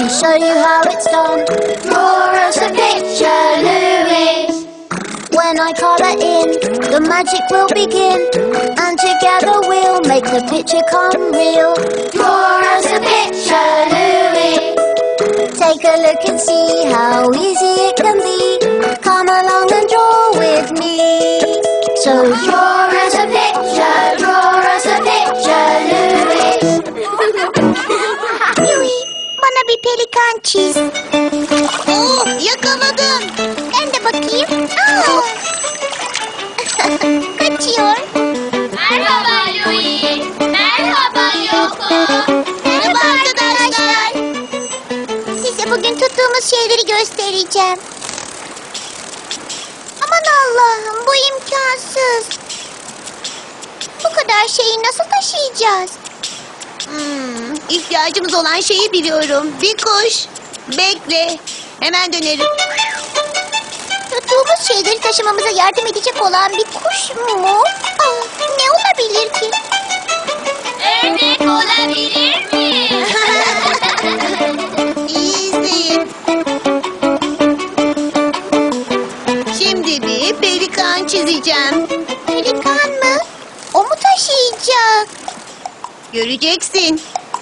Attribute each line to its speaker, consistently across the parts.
Speaker 1: me show you how it's done. Draw us a picture, Louise. When I colour in, the magic will begin, and together we'll make the picture come real. Draw us a picture, Louise. Take a look and see how easy it can be. Come along and draw with me. So draw us a picture, Louise.
Speaker 2: Louis, bana bir pelikan çiz.
Speaker 3: Oo, yakaladım.
Speaker 2: Ben de bakayım. Aa! Kaçıyor.
Speaker 4: Merhaba Louis. Merhaba Yoko.
Speaker 2: Merhaba arkadaşlar. Size bugün tuttuğumuz şeyleri göstereceğim. Aman Allah'ım, bu imkansız. Bu kadar şeyi nasıl taşıyacağız?
Speaker 3: İhtiyacımız olan şeyi biliyorum. Bir kuş. Bekle. Hemen dönerim.
Speaker 2: Tuttuğumuz şeyleri taşımamıza yardım edecek olan bir kuş mu? Aa, ne olabilir ki?
Speaker 4: Ördek olabilir mi?
Speaker 3: İyi izleyin. Şimdi bir pelikan çizeceğim.
Speaker 2: Pelikan mı? O mu taşıyacak?
Speaker 3: Göreceksin.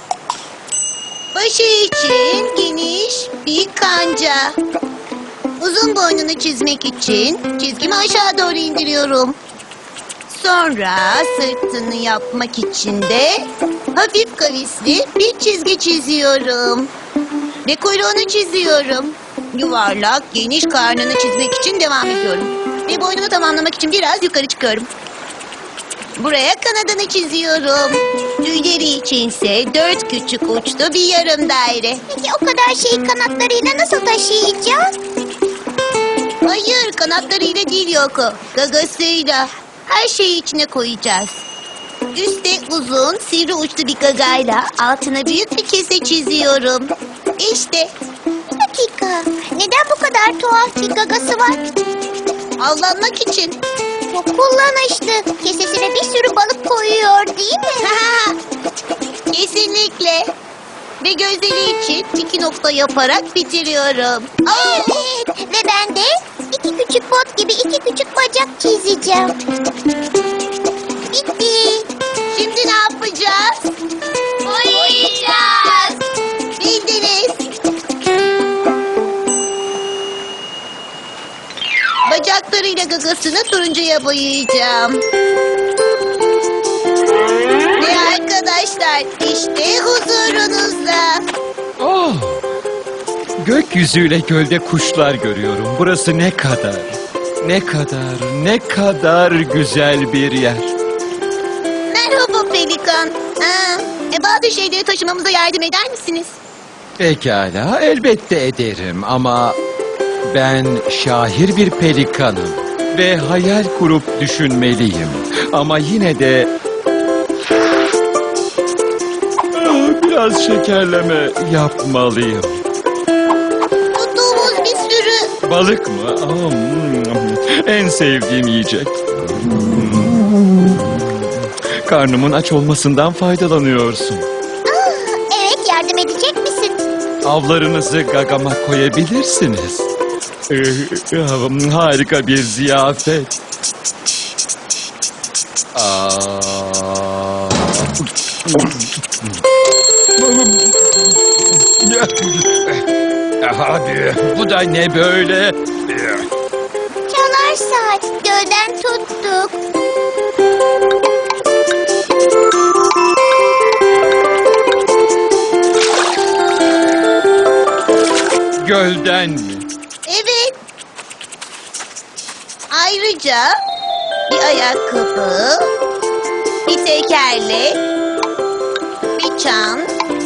Speaker 3: Başı için geniş bir kanca. Uzun boynunu çizmek için çizgimi aşağı doğru indiriyorum. Sonra sırtını yapmak için de hafif kavisli bir çizgi çiziyorum. Ve kuyruğunu çiziyorum. Yuvarlak, geniş karnını çizmek için devam ediyorum. Ve boynunu tamamlamak için biraz yukarı çıkıyorum. Buraya kanadını çiziyorum. Tüyleri içinse 4 küçük uçlu bir yarım daire.
Speaker 2: Peki o kadar şeyi kanatlarıyla nasıl taşıyacağız?
Speaker 3: Hayır, kanatlarıyla değil Yoko. Gagasıyla. Her şeyi içine koyacağız. Üste uzun, sivri uçlu bir gagayla altına büyük bir kese çiziyorum. İşte.
Speaker 2: Bir dakika. Neden bu kadar tuhaf bir gagası var?
Speaker 3: Avlanmak için.
Speaker 2: Çok kullanışlı. Kesesine bir sürü balık koyuyor değil mi?
Speaker 3: Kesinlikle. Ve gözleri için 2 nokta yaparak bitiriyorum.
Speaker 2: Evet. Ve ben de 2 küçük bot gibi 2 küçük bacak çizeceğim. Bitti.
Speaker 3: Şimdi ne yapacağız?
Speaker 4: Boyayacağız.
Speaker 3: Bildiniz. Bacaklarıyla gagasını turuncuya boyayacağım. Ve arkadaşlar işte huzurunuzda.
Speaker 5: Oh! Gökyüzüyle gölde kuşlar görüyorum. Burası ne kadar, ne kadar güzel bir yer.
Speaker 3: Merhaba Pelikan. Bazı şeyleri taşımamıza yardım eder misiniz?
Speaker 5: Pekala, elbette ederim ama ben şair bir pelikanım ve hayal kurup düşünmeliyim. Ama yine de biraz şekerleme yapmalıyım.
Speaker 3: Tuttuğumuz bir sürü...
Speaker 5: Balık mı? En sevdiğim yiyecek. Karnımın aç olmasından faydalanıyorsun.
Speaker 2: Evet, yardım edecek misin?
Speaker 5: Avlarınızı gagama koyabilirsiniz. Harika bir ziyafet. Hadi, bu da ne böyle?
Speaker 2: Çalar saat. Gölden tuttuk.
Speaker 5: Gölden mi?
Speaker 3: Evet. Ayrıca bir ayakkabı, bir tekerlek, bir çan,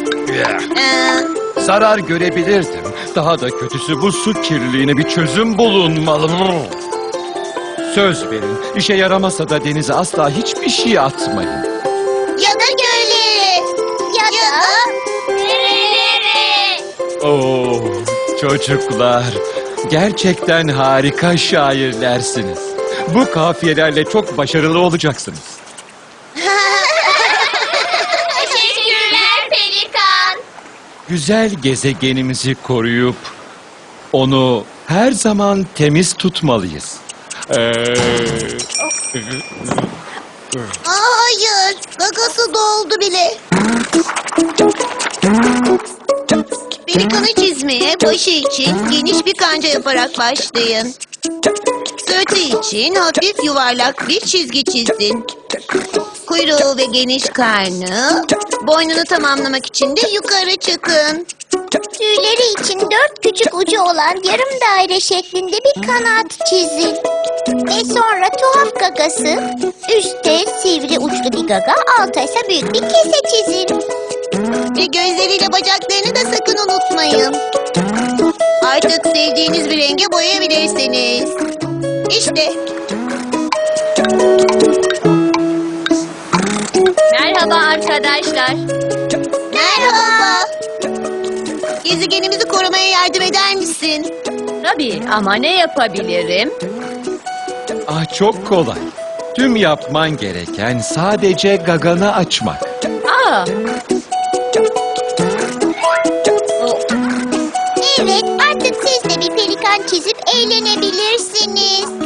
Speaker 5: Zarar görebilirdim. Daha da kötüsü bu su kirliliğine bir çözüm bulunmalı. Söz verin, işe yaramasa da denize asla hiçbir şey atmayın.
Speaker 3: ya da göle,
Speaker 2: Ya da
Speaker 4: Nerelere?
Speaker 5: Oo, çocuklar, gerçekten harika şairlersiniz. Bu kafiyelerle çok başarılı olacaksınız.
Speaker 4: Teşekkürler Pelikan.
Speaker 5: güzel gezegenimizi koruyup onu her zaman temiz tutmalıyız.
Speaker 3: Hayır, gagası doldu bile. Pelikanı çizmeye başı için geniş bir kanca yaparak başlayın. Sırtı için hafif yuvarlak bir çizgi çizin. Kuyruğu ve geniş karnı, boynunu tamamlamak için de yukarı çıkın.
Speaker 2: Tüyleri için 4 küçük ucu olan yarım daire şeklinde bir kanat çizin. Ve sonra tuhaf gagası, üstte sivri uçlu bir gaga, alta ise büyük bir kese çizin.
Speaker 3: Ve gözleriyle bacaklarını da sakın unutmayın. Artık sevdiğiniz bir renge boyayabilirsiniz. İşte.
Speaker 4: Merhaba arkadaşlar.
Speaker 3: Merhaba. Gezegenimizi korumaya yardım eder misin?
Speaker 4: Tabii ama ne yapabilirim?
Speaker 5: Ah, çok kolay. Tüm yapman gereken sadece gaganı açmak.
Speaker 4: Aa,
Speaker 2: Evet, artık siz de bir pelikan çizip eğlenebilirsiniz.